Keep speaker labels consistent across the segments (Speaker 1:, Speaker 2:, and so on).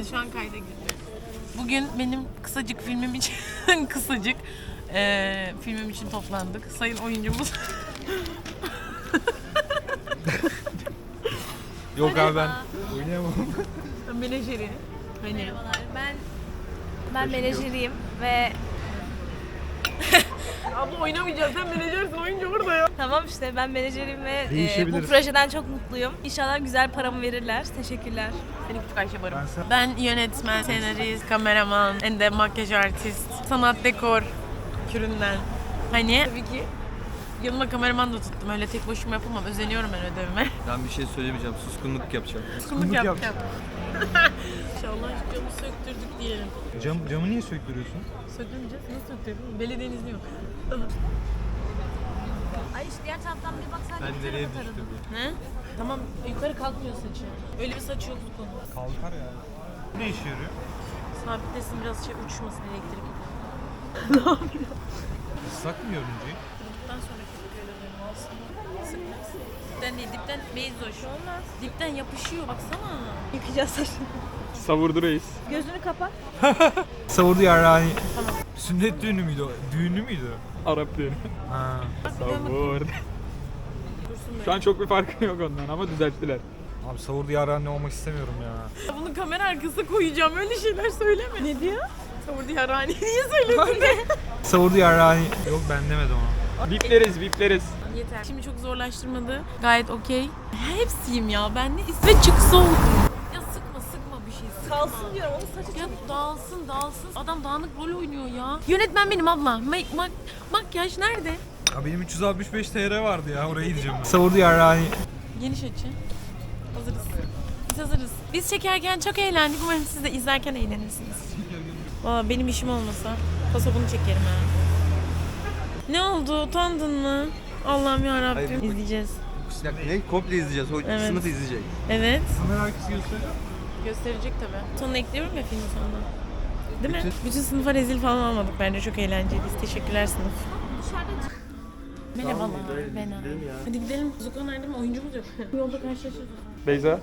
Speaker 1: Evet şu an kayda girdi. Bugün benim kısacık filmim için filmim için toplandık. Sayın oyuncumuz.
Speaker 2: Yok abi ben oynayamam.
Speaker 1: Menajeri. Hani.
Speaker 3: Merhabalar. Ben menajeriyim ve
Speaker 1: Abla oynamayacağız. Sen menajersin. Oyuncu burada ya.
Speaker 3: tamam işte ben menajeriyim ve bu
Speaker 2: Değişebiliriz.
Speaker 3: projeden çok mutluyum. İnşallah güzel paramı verirler. Teşekkürler.
Speaker 1: Seni küçük Ayşe Barım. Ben yönetmen, senarist, kameraman, en de makyaj artist, sanat dekor küründen. Hani tabii ki yanıma kameraman da tuttum. Öyle tek başıma yapamam. Özeniyorum ben ödevime.
Speaker 4: Ben bir şey söylemeyeceğim. Suskunluk yapacağım.
Speaker 1: Suskunluk yapacağım. İnşallah camı söktürdük diyelim.
Speaker 2: Camı niye söktürüyorsun?
Speaker 1: Söktürmeyeceğiz. Nasıl söktürdün? Belediyenin izni yok.
Speaker 3: Ay işte diğer taraftan bir baksan
Speaker 4: Ben nereye düştüm?
Speaker 1: Ne? Tamam yukarı kalkmıyor saçı. Öyle bir saç yok bu konu.
Speaker 2: Kalkar ya. Ne işe yarıyor?
Speaker 1: Sabitlesin biraz uçmasın elektrik.
Speaker 2: Islak mı yorumcuyu?
Speaker 1: Dipten sonra köpük benim aslında. Sıkmaz. Dipten değil, dipten meyzoş. Olmaz. Dipten yapışıyor baksana.
Speaker 3: yıkayacağız saçını.
Speaker 5: Savurdu reis.
Speaker 3: Gözünü kapat.
Speaker 2: Savurdu yarrani. Sünnet düğünü müydü o? Düğünü müydü?
Speaker 5: Arap düğünü.
Speaker 2: Ha.
Speaker 5: Savurdu. Şu an çok bir farkı yok ondan ama düzelttiler.
Speaker 2: Abi savurdu yarrani olmak istemiyorum ya.
Speaker 1: Bunu kamera arkasına koyacağım. Öyle şeyler söyleme. Ne diyor? Savurdu yarani. Niye söyledin de?
Speaker 2: Savurdu yarrani. Yok ben demedim onu.
Speaker 5: Vipleriz.
Speaker 1: Yeter. Şimdi çok zorlaştırmadı. Gayet okey. Hepsiyim ya. Ben ne ve çıksa oldu. Ya sıkma bir şey. Sıkma.
Speaker 3: Kalsın diyorum. Onun saçı
Speaker 1: Ya dağılsın. Adam dağınık rol oynuyor ya. Yönetmen benim abla. Makyaj nerede?
Speaker 2: Ya benim 365 TL vardı ya oraya gideceğim. Savurdu yarrani.
Speaker 1: Geniş açı. Hazırız. Biz hazırız. Biz çekerken çok eğlendik. Umarım siz de izlerken eğlenirsiniz. Valla benim işim olmasa pasaponu çekerim ha. Ne oldu? Utandın mı? Allah'ım yarabbim.
Speaker 4: Hayır.
Speaker 1: İzleyeceğiz.
Speaker 4: Ne? Komple izleyeceğiz. O
Speaker 1: Evet.
Speaker 4: sınıf izleyecek.
Speaker 1: Evet.
Speaker 2: Kamera arkası gösteriyor.
Speaker 1: Gösterecek tabii. Sonuna ekliyorum ya filmin sonuna. Değil mi? Bütün sınıfa rezil falan olmadık. Bence çok eğlenceliyiz. Teşekkürler sınıf. Merhabalar. Ben abi. Hadi gidelim. Zuko nerede mi? Oyuncumuz yok. Bu yolda karşılaşırız.
Speaker 5: Beyza.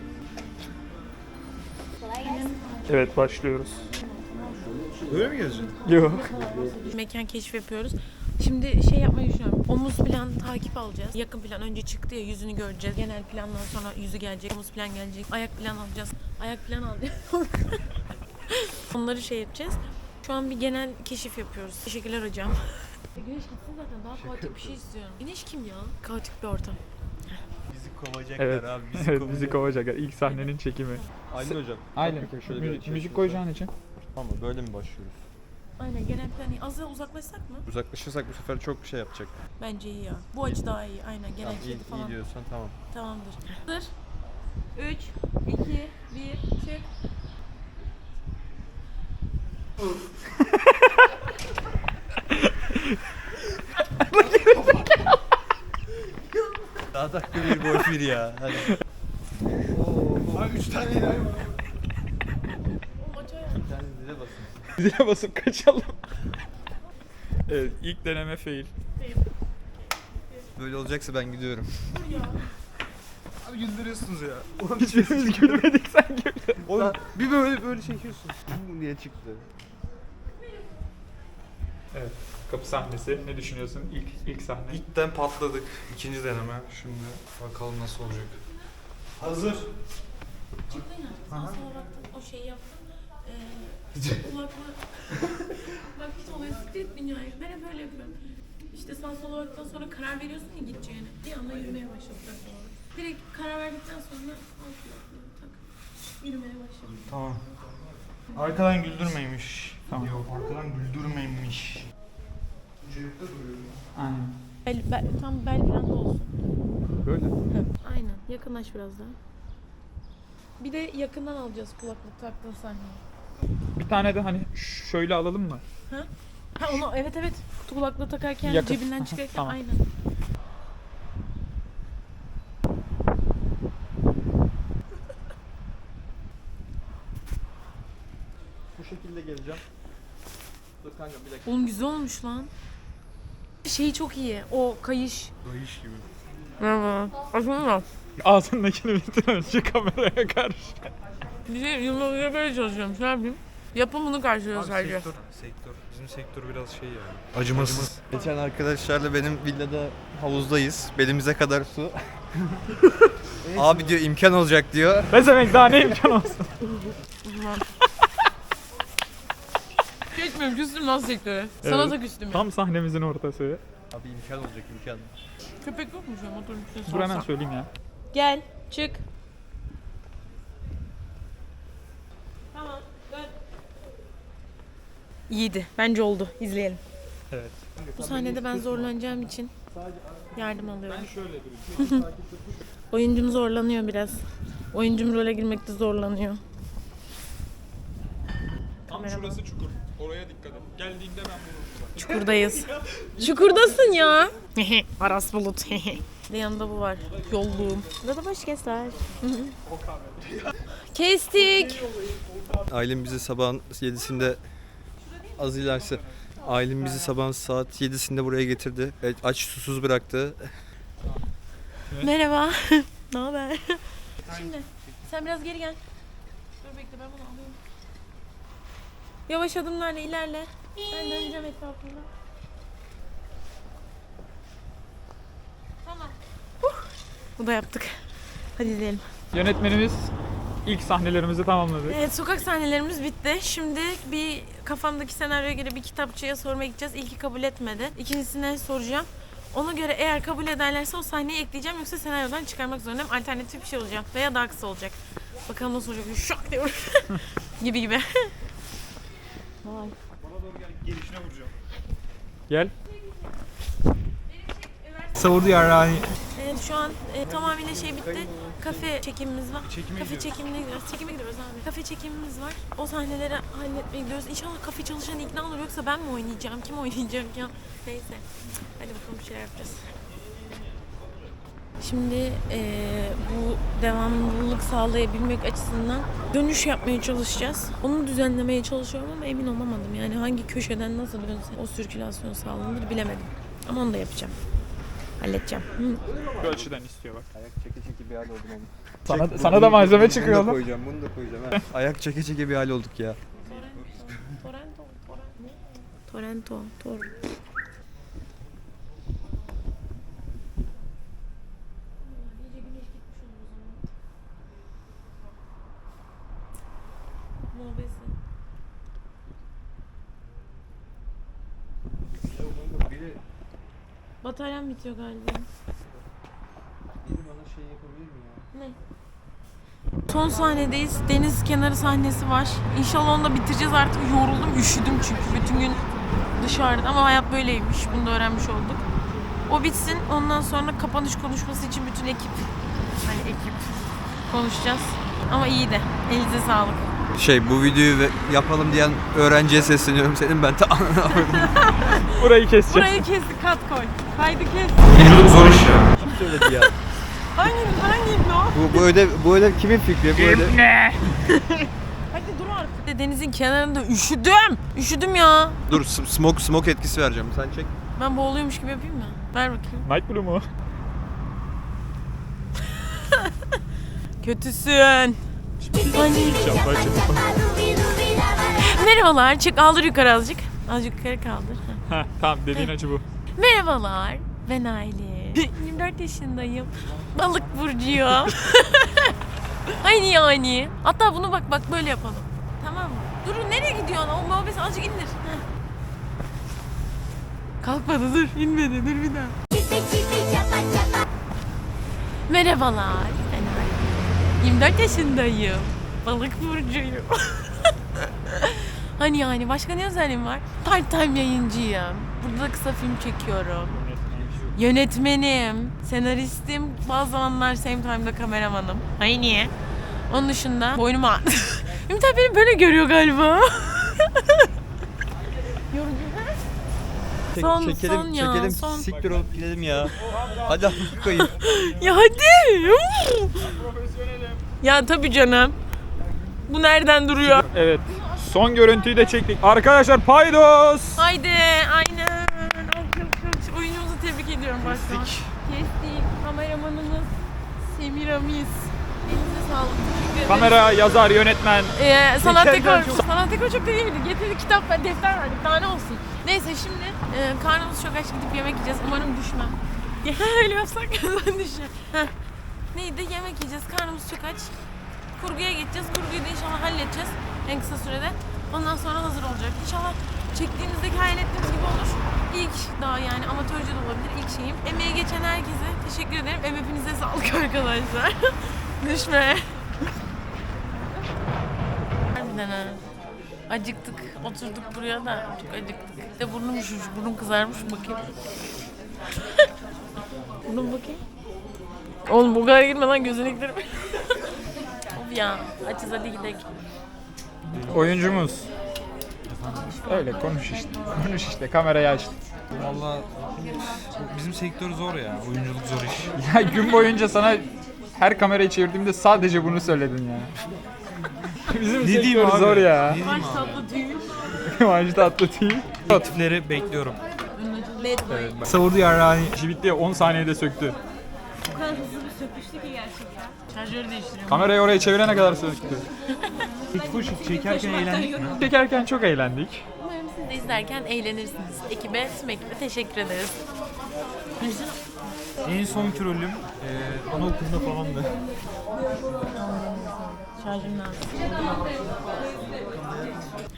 Speaker 5: Evet başlıyoruz.
Speaker 2: Böyle mi gezeceksin?
Speaker 5: Yok.
Speaker 1: Mekan keşif yapıyoruz. Şimdi şey yapmayı düşünüyorum. Omuz plan takip alacağız. Yakın plan önce çıktı ya, yüzünü göreceğiz. Genel plandan sonra yüzü gelecek. Omuz plan gelecek. Ayak plan alacağız. Ayak plan alacağız. Onları şey yapacağız. Şu an bir genel keşif yapıyoruz. Teşekkürler hocam. Güneş gitsin zaten. Daha kaotik bir şey istiyorum. Güneş kim ya? Kaotik bir ortam.
Speaker 4: Bizi kovacaklar
Speaker 5: Evet.
Speaker 4: abi.
Speaker 5: Evet bizi kovacaklar. İlk sahnenin çekimi.
Speaker 4: Aynen hocam.
Speaker 5: Aynen.
Speaker 4: Bakın şöyle bir
Speaker 5: Müzik koyacağın için.
Speaker 4: Tamam böyle mi başlıyoruz?
Speaker 1: Aynen genel plan. Az da uzaklaşsak mı?
Speaker 4: Uzaklaşırsak bu sefer çok şey yapacak.
Speaker 1: Bence iyi ya. Bu açı daha iyi. Aynen genel
Speaker 4: Tamam,
Speaker 1: kedi falan.
Speaker 4: iyi diyorsan tamam.
Speaker 1: Tamamdır. Hazır. 3, 2, 1, çık.
Speaker 4: Daha dakika bir boş bir ya. Hadi.
Speaker 2: Abi 3 tane daha var.
Speaker 4: Bir tane zile basın.
Speaker 5: Zile basıp kaçalım. Evet ilk deneme fail.
Speaker 4: Böyle olacaksa ben gidiyorum.
Speaker 2: Abi güldürüyorsunuz ya.
Speaker 5: Hiçbirimiz gülmedik sen güldün.
Speaker 4: Oğlum bir böyle çekiyorsun. Bu niye çıktı?
Speaker 5: Evet. Kapı sahnesi. Ne düşünüyorsun? İlk sahne.
Speaker 2: İlkten patladık. İkinci deneme. Şimdi bakalım nasıl olacak. Hazır.
Speaker 1: Çıktın ya. Sen
Speaker 2: Aha.
Speaker 1: sola baktın. O şeyi yaptın. Kulaklığı. Bak hiç olay siktir et dünyayı. Ben hep öyle yapıyorum. İşte sen sola baktıktan sonra karar veriyorsun ya gideceğine. Bir anda yürümeye başladık doğru. Direkt karar verdikten sonra al kulaklığı tak. Yürümeye başladım.
Speaker 2: Tamam. Arkadan güldürmeymiş.
Speaker 5: Tamam.
Speaker 2: Yok arkadan güldürmeymiş. Çocukta duruyorum.
Speaker 5: Aynen.
Speaker 1: Tam bel falan da olsun.
Speaker 5: Böyle.
Speaker 1: Aynen. Yakınlaş biraz daha. Bir de yakından alacağız kulaklık taktığın sahneyi.
Speaker 5: Bir tane de hani şöyle alalım mı?
Speaker 1: Ha onu evet. Kulaklığı takarken
Speaker 5: Yakın.
Speaker 1: cebinden çıkarken
Speaker 5: Tamam.
Speaker 1: aynen.
Speaker 4: Bu şekilde geleceğim. Dur kanka bir dakika.
Speaker 1: Oğlum güzel olmuş lan. Şey çok iyi. O kayış.
Speaker 2: Dayış gibi.
Speaker 1: Merhaba. Aslında
Speaker 5: Ağzındakini bitir önce kameraya karşı.
Speaker 1: Bir şey yıllarca böyle çalışıyorum. Ne yapayım? Yapımını karşılıyor sadece.
Speaker 2: Sektör. Bizim sektör biraz şey yani. Acımasız.
Speaker 4: Geçen arkadaşlarla benim villada havuzdayız. Belimize kadar su. Abi diyor imkan olacak diyor.
Speaker 5: Ne demek daha ne imkan olsun.
Speaker 1: Geçmiyorum, küstüm lan sektöre. Sana da küstüm ya.
Speaker 5: Tam sahnemizin ortası.
Speaker 4: Abi imkan olacak imkan.
Speaker 1: Köpek yok mu şu an motorun üstüne
Speaker 5: Dur hemen
Speaker 1: salsam?
Speaker 5: söyleyeyim ya.
Speaker 3: Gel, çık. Tamam, dön. İyiydi. Bence oldu. İzleyelim.
Speaker 5: Evet.
Speaker 1: Bu sahnede ben zorlanacağım için yardım alıyorum.
Speaker 5: Ben şöyle durayım.
Speaker 1: Oyuncum zorlanıyor biraz. Oyuncum role girmekte zorlanıyor.
Speaker 5: Tam şurası çukur. Oraya dikkat et. Geldiğinde ben bulurum.
Speaker 1: Çukurdayız. Çukurdasın ya. Aras Bulut. Bir yanında bu var. Yolluğum. Burada da boş kesler. Kestik.
Speaker 4: Ailem bizi sabahın 7'sinde az ilerisi. Ailem bizi sabahın saat 7'sinde buraya getirdi. Evet, aç susuz bıraktı.
Speaker 1: Merhaba. Ne haber? Şimdi sen biraz geri gel. Dur bekle, ben bunu alayım. Yavaş adımlarla ilerle. Ben döneceğim etrafında. Tamam. Bu da yaptık. Hadi izleyelim.
Speaker 5: Yönetmenimiz ilk sahnelerimizi tamamladı.
Speaker 1: Evet, sokak sahnelerimiz bitti. Şimdi bir kafamdaki senaryoya göre bir kitapçıya sormaya gideceğiz. İlki kabul etmedi. İkincisine soracağım. Ona göre eğer kabul ederlerse o sahneyi ekleyeceğim, yoksa senaryodan çıkarmak zorundayım. Alternatif bir şey olacak veya daha kısa olacak. Bakalım nasıl olacak. Şak diyor. gibi gibi. Vay.
Speaker 2: Gelişine vuracağım.
Speaker 5: Gel.
Speaker 2: Savurdu yarrağını.
Speaker 1: Evet, şu an tamamıyla şey bitti. Kafe çekimimiz var.
Speaker 2: Çekime
Speaker 1: Kafe
Speaker 2: gidiyoruz.
Speaker 1: çekimine gidiyoruz. Çekime gidiyoruz abi. Kafe çekimimiz var. O sahneleri halletmeye gidiyoruz. İnşallah kafe çalışan ikna olur, yoksa ben mi oynayacağım? Kim oynayacak ya? Neyse. Hadi bakalım, bir şeyler yapacağız. Şimdi bu devamlılık sağlayabilmek açısından dönüş yapmaya çalışacağız. Onu düzenlemeye çalışıyorum ama emin olamadım. Yani hangi köşeden nasıl dönse o sirkülasyon sağlanır bilemedim. Ama onu da yapacağım. Halledeceğim.
Speaker 5: Bu açıdan istiyor bak.
Speaker 4: Ayak çeke çeke bir hal oldum oğlum.
Speaker 5: Sana da malzeme çıkıyor
Speaker 4: Bunu da
Speaker 5: oğlum.
Speaker 4: koyacağım, bunu da koyacağım. Ha. Ayak çeke çeke bir hal olduk ya.
Speaker 1: Torrento. Bataryam bitiyor galiba.
Speaker 4: Bana şey yapabilir mi ya?
Speaker 1: Ne? Son sahnedeyiz. Deniz kenarı sahnesi var. İnşallah onu da bitireceğiz artık. Yoruldum, üşüdüm çünkü bütün gün dışarıda. Ama hayat böyleymiş. Bunu da öğrenmiş olduk. O bitsin. Ondan sonra kapanış konuşması için bütün ekip konuşacağız. Ama iyi de. Elinize sağlık.
Speaker 4: Bu videoyu yapalım diyen öğrenciye sesleniyorum senin ben
Speaker 5: Burayı keseceğiz.
Speaker 1: Burayı kestik. Kat koy. Kaydı kes.
Speaker 2: Oyunculuk zor iş ya.
Speaker 4: Kim söyledi ya?
Speaker 1: Hangi o?
Speaker 4: Bu ödev kimin fikri? Bu ödev...
Speaker 1: Hadi dur artık. Denizin kenarında üşüdüm. Üşüdüm ya.
Speaker 4: Dur smoke etkisi vereceğim. Sen çek.
Speaker 1: Ben boğuluyormuş gibi yapayım mı? Ver bakayım.
Speaker 5: Night Blue mu?
Speaker 1: Kötüsün.
Speaker 5: İnşallah çıkma.
Speaker 1: Merhabalar. Çık, aldır yukarı azıcık. Azıcık yukarı kaldır.
Speaker 5: Heh, tamam dediğin açı bu.
Speaker 1: Merhabalar. Ben Aylin. 24 yaşındayım. Balık burcuyum. Aynı yani. Hatta bunu bak böyle yapalım. Tamam mı? Durun, nereye gidiyorsun? O muhabbeti azıcık indir. Heh. Kalkmadı, dur. İnmedi. Dur bir daha. Merhabalar. Ben Aylin. 24 yaşındayım. Balık burcuyum. Hani yani başka ne özelliğim var? Part-time yayıncıyım. Burada da kısa film çekiyorum. Yönetmenim, senaristim, bazı zamanlar same time'da kameramanım. Hayır niye? Onun dışında boynum ağrı. Ümit abi beni böyle görüyor galiba. Son ya,
Speaker 4: çekelim.
Speaker 1: son.
Speaker 4: Siktir olup gidelim ya. Hadi koyayım.
Speaker 1: Ya hadi. Ya tabii canım. Bu nereden duruyor?
Speaker 5: Evet. Son görüntüyü de çektik. Arkadaşlar paydos.
Speaker 1: Haydi, aynen. Alkış. Oyuncumuzu tebrik ediyorum baştan. Kestik. Kameramanımız Semiramis. Elinize sağlık. Teşekkür ederim.
Speaker 5: Kamera, yazar, yönetmen.
Speaker 1: Sanat
Speaker 5: Çekerken
Speaker 1: dekor.
Speaker 5: çok-
Speaker 1: Sanat dekor çok da iyiydi. Getirdik kitap ve defter verdik. Daha ne olsun. Neyse şimdi karnımız çok aç, gidip yemek yiyeceğiz. Umarım düşmem. Öyle yapsak ben düşeceğim. Heh. Neydi? Yemek yiyeceğiz. Karnımız çok aç. Kurguya geçeceğiz. Kurguyu da inşallah halledeceğiz en kısa sürede. Ondan sonra hazır olacak. İnşallah çektiğimizdeki hayal ettiğimiz gibi olur. İlk daha yani amatörce de olabilir. İlk şeyim. Emeğe geçen herkese teşekkür ederim. Hepinize sağlık arkadaşlar. Düşme. Harbiden ha. Acıktık. Oturduk buraya da çok acıktık. Bir de burnum üşümüş. Burnum kızarmış. Bakayım. Burnum bakayım. Oğlum bu kadar girmeden gözüne giderim. Of ya. Açız hadi gidelim.
Speaker 5: Oyuncumuz. Öyle konuş işte. Konuş işte. Kamerayı aç.
Speaker 2: Valla bizim sektör zor ya. Oyunculuk zor iş.
Speaker 5: Ya gün boyunca sana her kamerayı çevirdiğimde sadece bunu söyledin ya. Bizim sektör zor ya.
Speaker 1: Baş tatlı tüyü.
Speaker 5: Maaşı tatlı değil.
Speaker 2: Teklifleri bekliyorum.
Speaker 5: Evet, bak.
Speaker 2: Savurdu yarrağını.
Speaker 5: İşi bitti 10 saniyede söktü.
Speaker 3: Bu kadar hızlı bir söküştü ki gerçekten.
Speaker 1: Şarjörü değiştiriyorum.
Speaker 5: Kamerayı oraya çevirene kadar söktü.
Speaker 2: Çekerken eğlendik mi?
Speaker 5: Çekerken çok eğlendik.
Speaker 1: Umarım siz de izlerken eğlenirsiniz. Ekibe, tüm ekibe teşekkür ederiz.
Speaker 2: En son rolüm anaokulunda falandı.
Speaker 1: Şarjım lazım.